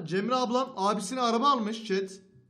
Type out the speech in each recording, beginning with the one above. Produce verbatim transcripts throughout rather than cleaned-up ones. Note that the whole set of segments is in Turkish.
Cemre ablam abisine araba almış chat.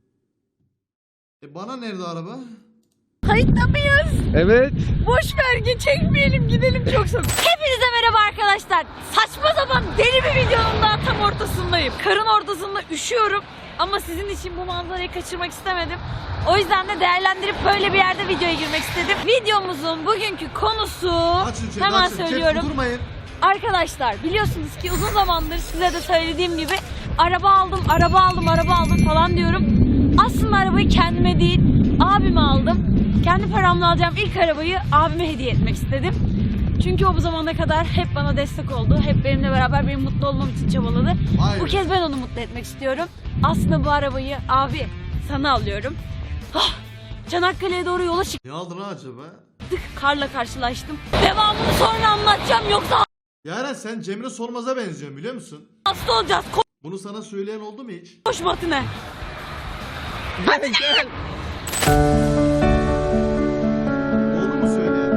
E bana nerede araba? Kayıtta mıyız? Evet. Boş ver, çekmeyelim, gidelim çok soğuk. Hepinize merhaba arkadaşlar. Saçma sapan deli bir videonun daha tam ortasındayım. Karın ortasında üşüyorum ama sizin için bu manzarayı kaçırmak istemedim. O yüzden de değerlendirip böyle bir yerde videoya girmek istedim. Videomuzun bugünkü konusu Açın chat, hemen açın. söylüyorum. Chat, durmayın. Arkadaşlar biliyorsunuz ki uzun zamandır size de söylediğim gibi araba aldım, araba aldım, araba aldım falan diyorum. Aslında arabayı kendime değil, abime aldım. Kendi paramla alacağım ilk arabayı abime hediye etmek istedim. Çünkü o bu zamana kadar hep bana destek oldu. Hep benimle beraber benim mutlu olmam için çabaladı. Hayır. Bu kez ben onu mutlu etmek istiyorum. Aslında bu arabayı abi sana alıyorum. Ah, Çanakkale'ye doğru yola çıktık. Ne aldın lan acaba? Karla karşılaştım. Devamını sonra anlatacağım yoksa Yaren sen Cemre Sormaz'a benziyorsun biliyor musun? hasta olacağız. Bunu sana söyleyen oldu mu hiç? Koş Matine. Gel gel. Oldu mu söyleyen?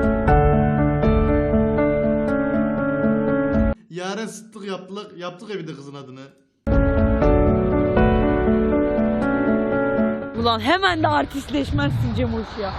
Yaren sıttık yaptık, yaptık evde kızın adını. Ulan hemen de artistleşmezsin Cemuş ya.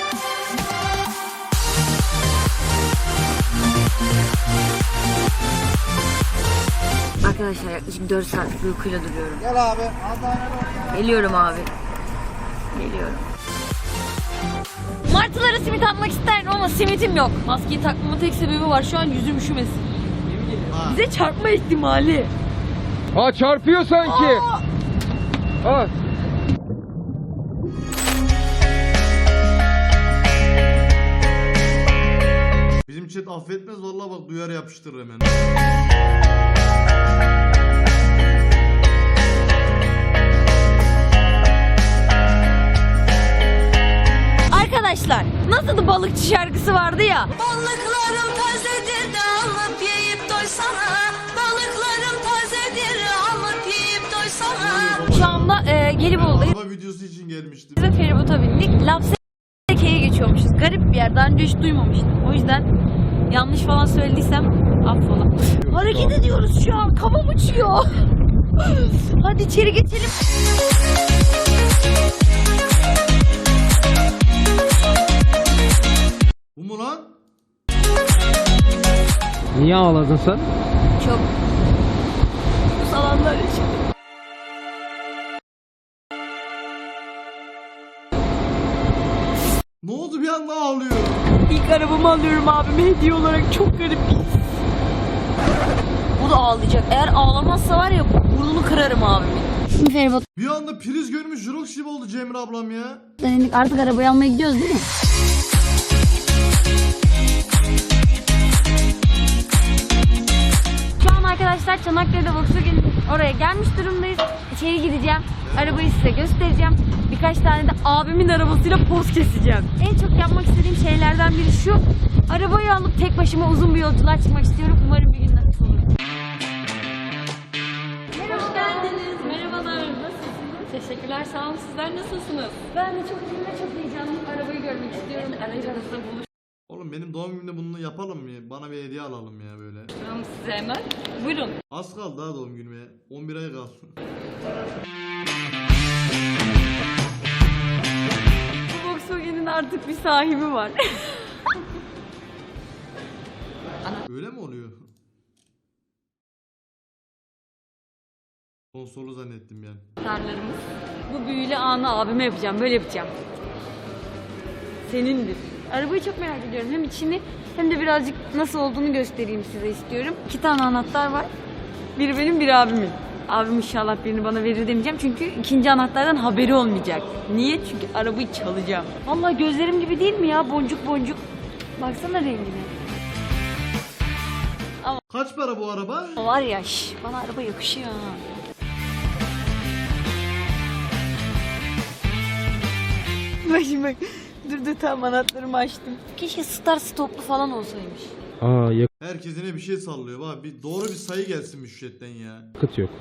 Arkadaşlar yaklaşık dört saatlik bir uykuyla duruyorum. Gel abi. Geliyorum abi. Geliyorum. Martılara simit atmak isterdim ama simitim yok. Maskeyi takmamın tek sebebi var. Şu an yüzüm üşümesin. Ha. Bize çarpma ihtimali. Aa çarpıyor sanki. Aa! Aa. Bizim chat affetmez vallahi bak duyar yapıştırır hemen. Arkadaşlar nasıl balıkçı şarkısı vardı ya. Balıklarım tazedir de alıp yiyip doysana. Balıklarım tazedir alıp yiyip doysana. Şu anda e, Gelibolu'dayız Araba videosu için gelmiştim. ve feribota bindik. Lapseke'ye geçiyormuşuz. Garip bir yer. Daha önce hiç duymamıştım. O yüzden yanlış falan söylediysem affola. Hareket ediyoruz şu an. Kafam uçuyor. Hadi içeri geçelim. Bu mu lan? Niye ağladın sen? Çok bu salanlar için. Ne oldu bir anda ağlıyor? İlk arabamı alıyorum abime hediye olarak. Çok garip bir his. Bu da ağlayacak. Eğer ağlamazsa var ya burnunu kırarım abimin. Şimdi feribot Bir anda priz görmüş Jurox gibi oldu Cemre ablam ya. denedik. Artık arabayı almaya gidiyoruz değil mi? Şu an arkadaşlar Çanakkale'de Volkswagen oraya gelmiş durumdayız. İçeri gideceğim. Arabayı size göstereceğim. Birkaç tane de abimin arabasıyla poz keseceğim. En çok yapmak istediğim şeylerden biri şu. Arabayı alıp tek başıma uzun bir yolculuğa çıkmak istiyorum. Umarım bir gün nasip olur. Merhaba. Hoş geldiniz. Merhabalar. Nasılsınız? Teşekkürler. Sağ olun. Sizler nasılsınız? Ben de çok iyiyim ve çok heyecanlıyım. Arabayı görmek istiyorum. Aracınızda buluş. Oğlum benim doğum günümde bunu yapalım mı? Bana bir hediye alalım ya böyle. Tamam size hemen. Buyurun. Az kaldı daha doğum günüme. on bir ay kaldı. Bu Volkswagen'in artık bir sahibi var. Öyle mi oluyor? Konsolu zannettim yani. Tarlarımız. Bu büyülü anı abime yapacağım. Böyle yapacağım. Senindir. Arabayı çok merak ediyorum. Hem içini hem de birazcık nasıl olduğunu göstereyim size istiyorum. İki tane anahtar var. Biri benim, biri abimin. Abim inşallah birini bana verir demeyeceğim. Çünkü ikinci anahtardan haberi olmayacak. Niye? Çünkü arabayı çalacağım. Vallahi gözlerim gibi değil mi ya? Boncuk boncuk. Baksana rengine. Kaç para bu araba? O var ya, şş, bana araba yakışıyor ha. Bak şimdi bak. Dur dur tamam anahtarımı açtım. Keşke start stoplu falan olsaymış. Aa Herkes yine bir şey sallıyor. Bak bir doğru bir sayı gelsin müştetten ya. yakıt yok.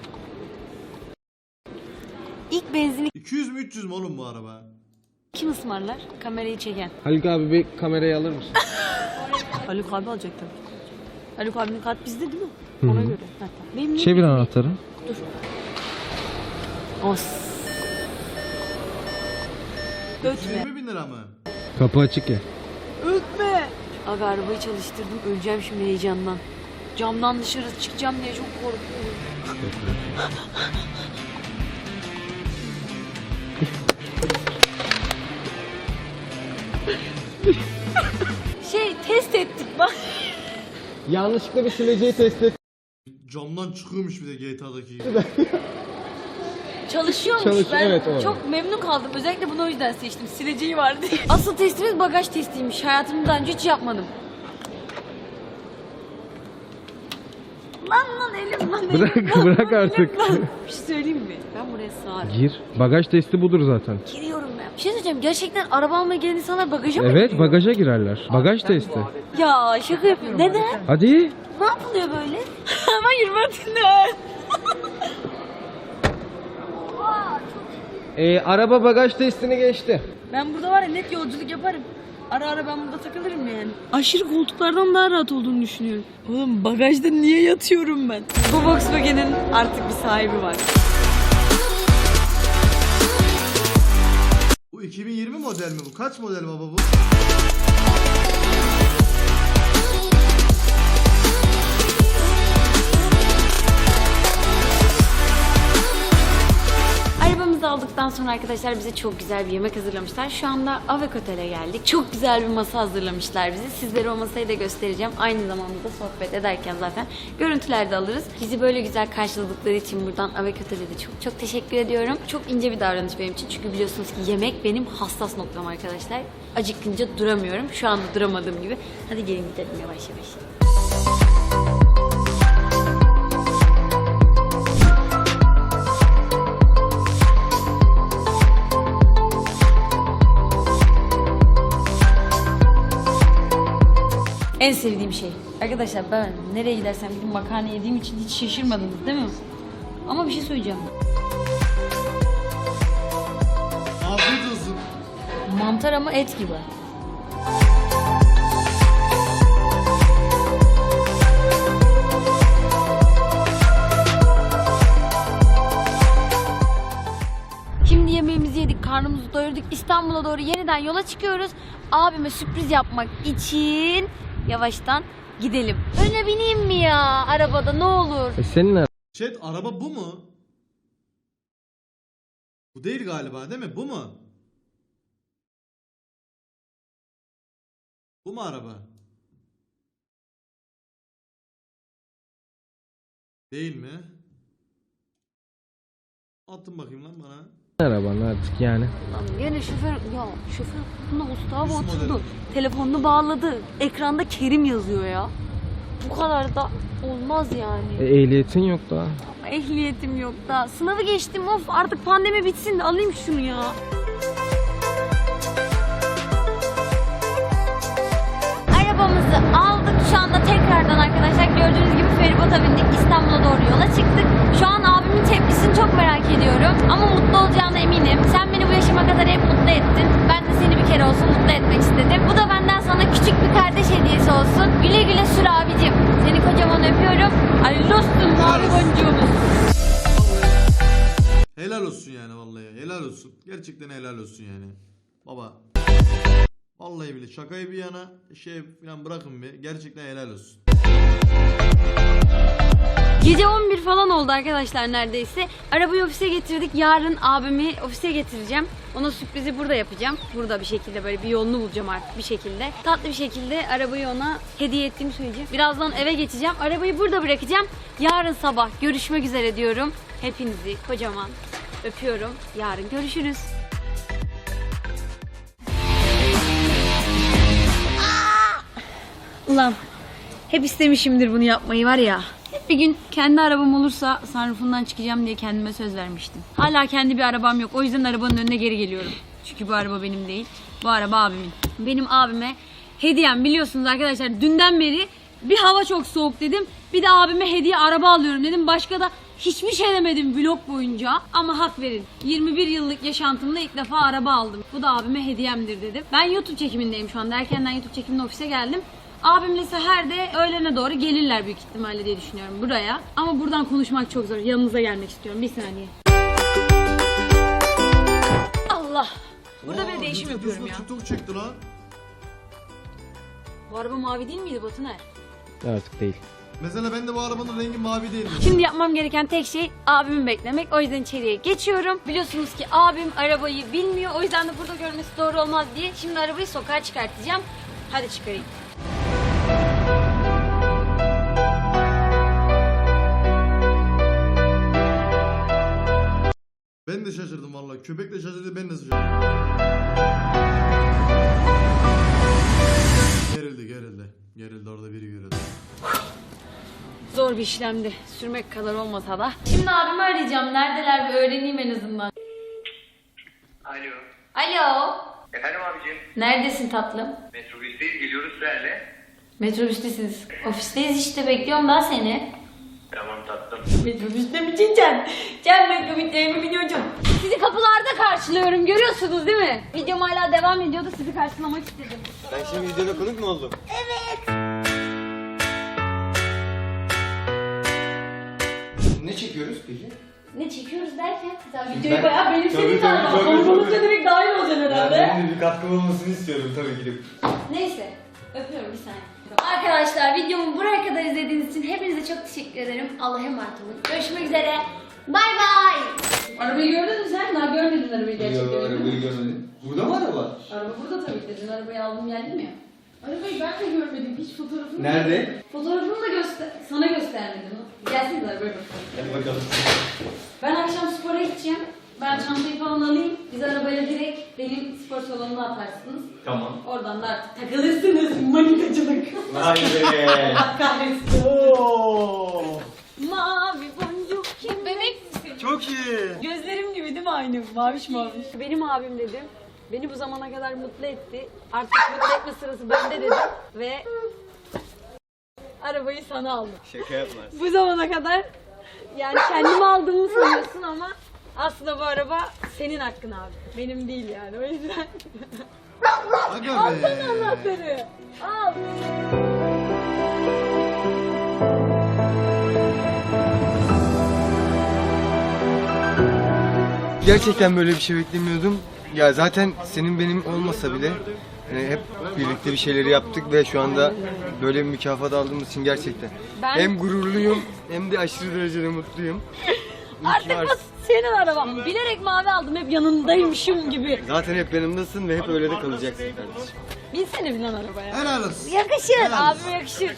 İlk benzini iki yüz mü üç yüz mü oğlum bu araba? kim ısmarlar? Kamerayı çeken. Haluk abi bir kamerayı alır mısın? Haluk abi alacak tabii. Haluk abinin kart bizde değil mi? Ona göre. Hatta. Benim niye Çevir bizde? anahtarı. Dur. Os. Ötme. yirmi bin lira mı? Kapı açık ya. Ötme. Abi arabayı çalıştırdım. Öleceğim şimdi heyecandan. Camdan dışarı çıkacağım diye çok korkuyorum. Şey test ettik bak. Yanlışlıkla bir sileceği test et. Camdan çıkıyormuş bir de G T A'daki gibi. Çalışıyormuş. Çalış- ben evet, o. çok memnun kaldım. Özellikle bunu o yüzden seçtim. Sileceği var diye. Asıl testimiz bagaj testiymiş. Hayatımda daha önce hiç yapmadım. Lan lan elim lan elim. Bırak, lan, bırak lan, artık. elim lan. Bir şey söyleyeyim mi? Ben buraya sığarım. Gir. Bagaj testi budur zaten. Giriyorum ben. Bir şey söyleyeceğim. Gerçekten araba almaya gelen insanlar bagaja mı Evet, giriyor? bagaja girerler. Bagaj testi. Ya şaka yapıyorum. Neden? Hadi. Ne yapılıyor böyle? Ama yürümetinler. Ee, araba bagaj testini geçti. Ben burada var ya net yolculuk yaparım. Ara ara ben burada takılırım yani. Aşırı koltuklardan daha rahat olduğunu düşünüyorum. Oğlum bagajda niye yatıyorum ben? Bu Volkswagen'in artık bir sahibi var. Bu iki bin yirmi model mi bu? Kaç model baba bu? Arabamızı aldıktan sonra arkadaşlar bize çok güzel bir yemek hazırlamışlar. Şu anda Avek Otel'e geldik. Çok güzel bir masa hazırlamışlar bize. Sizlere o masayı da göstereceğim. Aynı zamanda da sohbet ederken zaten görüntüler de alırız. Bizi böyle güzel karşıladıkları için buradan Avek Otel'e de çok çok teşekkür ediyorum. Çok ince bir davranış benim için. Çünkü biliyorsunuz ki yemek benim hassas noktam arkadaşlar. Acıkınca duramıyorum. Şu anda duramadığım gibi. Hadi gelin gidelim yavaş yavaş. En sevdiğim şey. Arkadaşlar ben nereye gidersem gidip makarna yediğim için hiç şaşırmadınız değil mi? Ama bir şey söyleyeceğim. Afiyet olsun. Mantar ama et gibi. Şimdi yemeğimizi yedik, karnımızı doyurduk. İstanbul'a doğru yeniden yola çıkıyoruz. Abime sürpriz yapmak için yavaştan gidelim. Öne bineyim mi ya arabada ne olur? E senin ne? Chat araba bu mu? Bu değil galiba değil mi? Bu mu? Bu mu araba? Değil mi? Attın bakayım lan bana. Araban artık yani. Lan gene şoför, ya şoför buna Mustafa Nasıl oturdu. model? Telefonunu bağladı. Ekranda Kerim yazıyor ya. Bu kadar da olmaz yani. E, ehliyetin yok daha. Ehliyetim yok da. Sınavı geçtim of artık pandemi bitsin de alayım şunu ya. Arabamızı aldık. Şu anda tekrardan arkadaşlar gördüğünüz gibi feribota bindik. İstanbul'a doğru yola çıktık. Şu an abimin tepkisini çok merak ediyorum. Ama mutlu olacağına eminim. Sen beni bu yaşıma kadar hep mutlu ettin. Ben de seni bir kere olsun mutlu etmek istedim. Bu da benden sana küçük bir kardeş hediyesi olsun. Güle güle sür abicim. Seni kocaman öpüyorum. Hayırlı olsun mavi boncuğumuz. Helal olsun yani vallahi. Helal olsun. Gerçekten helal olsun yani. Baba. Vallahi bile şakayı bir yana şey falan bırakın bir. Gerçekten helal olsun. Gece on bir falan oldu arkadaşlar neredeyse. Arabayı ofise getirdik. Yarın abimi ofise getireceğim. Ona sürprizi burada yapacağım. Burada bir şekilde böyle bir yolunu bulacağım artık bir şekilde. Tatlı bir şekilde arabayı ona hediye ettiğimi söyleyeceğim. Birazdan eve geçeceğim. Arabayı burada bırakacağım. Yarın sabah görüşmek üzere diyorum. Hepinizi kocaman öpüyorum. Yarın görüşürüz. Ulan hep istemişimdir bunu yapmayı var ya. Hep bir gün kendi arabam olursa sunroofundan çıkacağım diye kendime söz vermiştim. Hala kendi bir arabam yok. O yüzden arabanın önüne geri geliyorum. Çünkü bu araba benim değil. Bu araba abimin. Benim abime hediyem biliyorsunuz arkadaşlar. Dünden beri bir hava çok soğuk dedim. Bir de abime hediye araba alıyorum dedim. Başka da hiçbir şey demedim vlog boyunca. Ama hak verin. yirmi bir yıllık yaşantımda ilk defa araba aldım. Bu da abime hediyemdir dedim. Ben YouTube çekimindeyim şu anda. Erkenden YouTube çekiminde ofise geldim. Abimle Seher de öğlene doğru gelirler büyük ihtimalle diye düşünüyorum buraya. Ama buradan konuşmak çok zor. Yanınıza gelmek istiyorum. Bir saniye. Allah. Burada Aa, bir değişim YouTube yapıyorum ya. TikTok çekti lan. Bu araba mavi değil miydi Batuner? Artık değil. Mesela ben de bu arabanın rengi mavi değildi. Şimdi yapmam gereken tek şey abimi beklemek. O yüzden içeriye geçiyorum. Biliyorsunuz ki abim arabayı bilmiyor. O yüzden de burada görmesi doğru olmaz diye. Şimdi arabayı sokağa çıkartacağım. Hadi çıkarayım. Ben de şaşırdım vallahi. Köpek de şaşırdı, ben de şaşırdım. Gerildi, gerildi. Gerildi, orada biri gerildi. Zor bir işlemdi. Sürmek kadar olmasa da. Şimdi abimi arayacağım. Neredeler bir öğreneyim en azından. Alo. Alo. Efendim abicim. Neredesin tatlım? Metrobüsteyiz, geliyoruz sizlerle. Metrobüstesiniz. Ofisteyiz işte, bekliyorum daha seni. Tamam tatlım. Metrobüste mi Can? Can metrobüsteyimi biliyorum. Sizi kapılarda karşılıyorum, görüyorsunuz değil mi? Videom hala devam ediyordu, sizi karşılamak istedim. Ben şimdi videoda konuk mu oldum? Ne çekiyoruz peki? Ne çekiyoruz derken? Sen Ben- videoyu bayağı benimsedin Tabii, tabii, galiba. tabii, Konuk tabii. olunca direkt dahil olacaksın herhalde. Ben de bir katkım olmasını istiyorum tabii gidip. Neyse, öpüyorum bir saniye. Arkadaşlar videomu buraya kadar izlediğiniz için hepinize çok teşekkür ederim. Allah'a emanet olun. Görüşmek üzere. Bay bay. Arabayı gördün mü sen? Daha görmedin arabayı gerçekten. Yo, arabayı görmedim. Burada mı araba? Araba burada tabii ki. Dün arabayı aldım geldim ya. Arabayı ben de görmedim. Hiç fotoğrafını Nerede? Fotoğrafını da göster sana göstermedim. Gelsiniz arabaya bakalım. Hadi bakalım. Ben akşam spora gideceğim. Ben çantayı falan alayım. Biz arabayla direkt benim spor salonuna atarsınız. Tamam. Oradan da artık takılırsınız. Manitacılık. Vay be. Allah kahretsin. Oo. Mavi boncuk kim? Bebek misin? Çok iyi. Gözlerim gibi değil mi aynı? Maviş maviş. Benim abim dedim. Beni bu zamana kadar mutlu etti. Artık mutlu etme sırası bende dedim. Ve arabayı sana aldım. Şaka yapmaz. Bu zamana kadar yani kendimi aldığımı sanıyorsun ama aslında bu araba senin hakkın abi. Benim değil yani, o yüzden. Aga Alsana be. anahtarı. Al. Gerçekten böyle bir şey beklemiyordum. Ya zaten senin benim olmasa bile hani hep birlikte bir şeyleri yaptık ve şu anda böyle bir mükafat aldığımız için gerçekten Ben- hem gururluyum hem de aşırı derecede mutluyum. İyi ki Artık varsın. bu senin araban. Bilerek mavi aldım, hep yanındaymışım gibi. Zaten hep yanımdasın ve hep öyle de kalacaksın kardeşim. Binsene bir lan arabaya. Helal olsun. Yakışır. Helal olsun. Abime yakışır.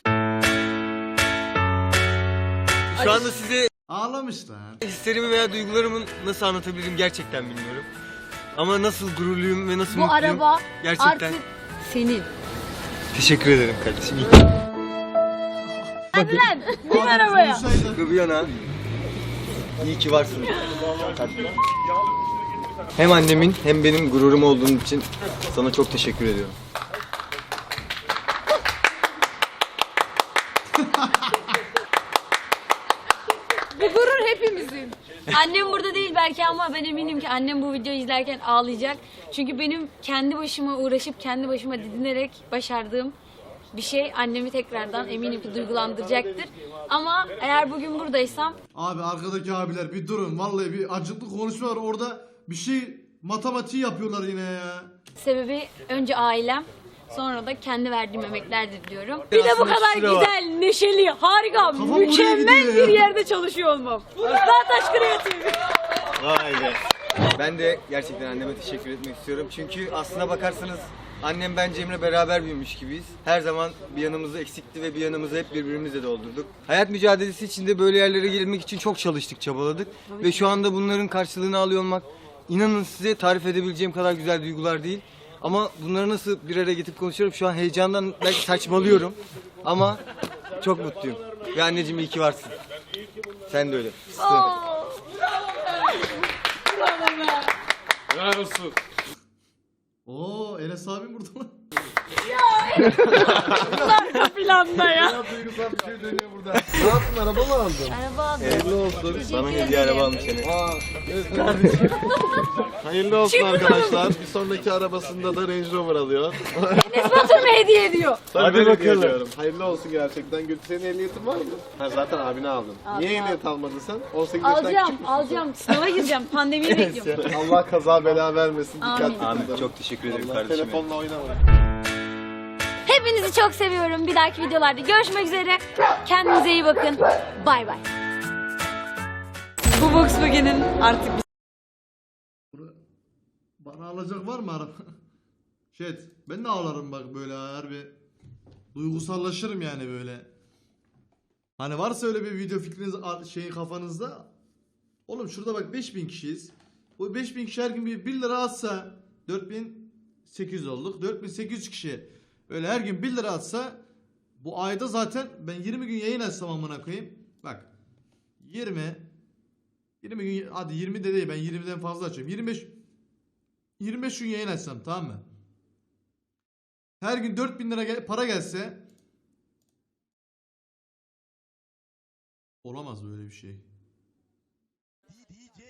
Şu anda size Ağlamış lan. hislerimi veya duygularımı nasıl anlatabilirim gerçekten bilmiyorum. Ama nasıl gururluyum ve nasıl Bu mutluyum araba gerçekten. artık senin. Teşekkür ederim kardeşim. İyi ki. Hadi lan. Bin arabaya. Konuşsaydı. Şaka bir yana iyi ki varsın. Hem annemin hem benim gururum olduğun için sana çok teşekkür ediyorum. Bu gurur hepimizin. Annem burada değil belki ama ben eminim ki annem bu videoyu izlerken ağlayacak. Çünkü benim kendi başıma uğraşıp kendi başıma didinerek başardığım bir şey annemi tekrardan eminim ki duygulandıracaktır. Ama eğer bugün buradaysam Abi arkadaki abiler bir durun. Vallahi bir acıklı konuşma var. Orada bir şey matematiği yapıyorlar yine ya. sebebi önce ailem, sonra da kendi verdiğim emeklerdir diyorum. Bir de bu Aslında kadar şura var. güzel, neşeli, harika, buraya mükemmel gidiyor bir ya. yerde çalışıyor olmam. Dağtaş Kreatif. Vay be. Ben de gerçekten anneme teşekkür etmek istiyorum. Çünkü aslına bakarsanız annem ben Cem'le beraber büyümüş gibiyiz. Her zaman bir yanımızı eksikti ve bir yanımızı hep birbirimizle doldurduk. Hayat mücadelesi içinde böyle yerlere gelmek için çok çalıştık, çabaladık. Ve şu anda bunların karşılığını alıyor olmak, inanın size tarif edebileceğim kadar güzel duygular değil. Ama bunları nasıl bir araya getirip konuşuyorum, şu an heyecandan belki saçmalıyorum. Ama çok mutluyum. Ve anneciğim iyi ki varsın. Sen de öyle. Oo Enes abim burada lan. Ya Arka planda ya. Duygusal bir şey dönüyor burada. Ne yaptın, araba mı aldın? Araba aldım. Hayırlı olsun. Bana hediye araba almış seni. Aa, evet kardeşim. Hayırlı olsun arkadaşlar. Bir sonraki arabasında da Range Rover alıyor. Enes Batur mu hediye ediyor? Hadi bakalım. Hayırlı olsun gerçekten. Gültü, senin ehliyetin var mı? Ha, zaten abine aldın. Niye ehliyet almadın sen? on sekiz yaşından Alacağım, küçük müsün alacağım. Sınava gireceğim. Pandemiyi bekliyorum. sen? Allah kaza bela vermesin. Amin. Dikkatli Ahmet kullan. çok teşekkür ederim Allah, kardeşim. telefonla oynama. Hepinizi çok seviyorum. Bir dahaki videolarda görüşmek üzere. Kendinize iyi bakın. Bay bay. Bu Volkswagen'in artık Bana alacak var mı araba? Şet, ben de ağlarım bak böyle harbi. Duygusallaşırım yani böyle. Hani varsa öyle bir video fikriniz şeyin kafanızda. Oğlum şurada bak beş bin kişiyiz. Bu beş bin kişi her gün bir bir lira atsa dört bin sekiz yüz olduk. dört bin sekiz yüz kişi öyle her gün bir lira atsa bu ayda zaten ben yirmi gün yayın açsam amına koyayım. Bak yirmi yirmi gün, hadi yirmi de değil, ben yirmiden fazla açıyorum. yirmi beş yirmi beş gün yayın açsam, tamam mı? Her gün dört bin lira gel- para gelse olamaz böyle bir şey.